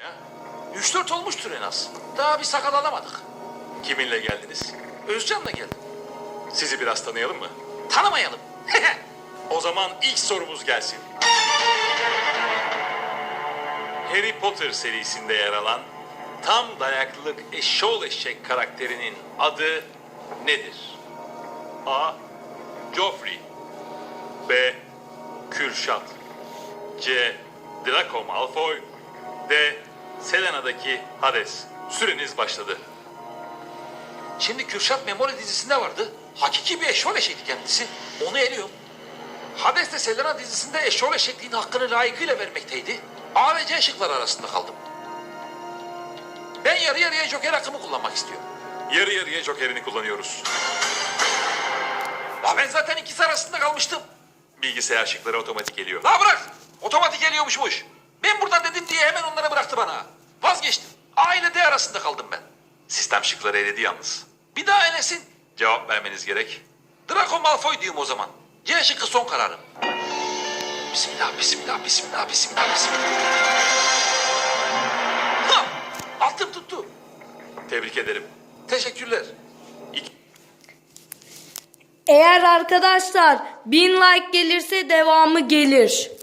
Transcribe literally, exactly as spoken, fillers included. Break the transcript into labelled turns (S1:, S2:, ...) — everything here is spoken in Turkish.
S1: Üç dört olmuştur en az. Daha bir sakal alamadık.
S2: Kiminle geldiniz?
S1: Özcan'la geldim.
S2: Sizi biraz tanıyalım mı?
S1: Tanımayalım.
S2: O zaman ilk sorumuz gelsin. Harry Potter serisinde yer alan tam dayaklılık eşşoğlu eşek karakterinin adı nedir? A. Joffrey B. Kürşat C. Draco Malfoy D. Selena'daki Hades. Süreniz başladı.
S1: Şimdi Kürşat Memoli dizisinde vardı. Hakiki bir eşol eşekti kendisi. Onu eliyorum. Hades de Selena dizisinde eşol eşekliğin hakkını layıkıyla vermekteydi. A ve C şıkları arasında kaldım. Ben yarı yarıya joker hakkımı kullanmak istiyorum.
S2: Yarı yarıya jokerini kullanıyoruz.
S1: La ben zaten ikisi arasında kalmıştım.
S2: Bilgisayar şıkları otomatik geliyor.
S1: La bırak. Otomatik geliyormuşmuş. Ben burada dedim diye hemen onları bıraktı bana. Vazgeçtim. A ile D arasında kaldım ben.
S2: Sistem şıkları eledi yalnız.
S1: Bir daha elesin.
S2: Cevap vermeniz gerek.
S1: Draco Malfoy diyorum o zaman. C şıkkı son kararım. Bismillah, bismillah, bismillah, bismillah, bismillah. Ha! Altın tuttu.
S2: Tebrik ederim.
S1: Teşekkürler.
S3: Eğer arkadaşlar bin like gelirse devamı gelir.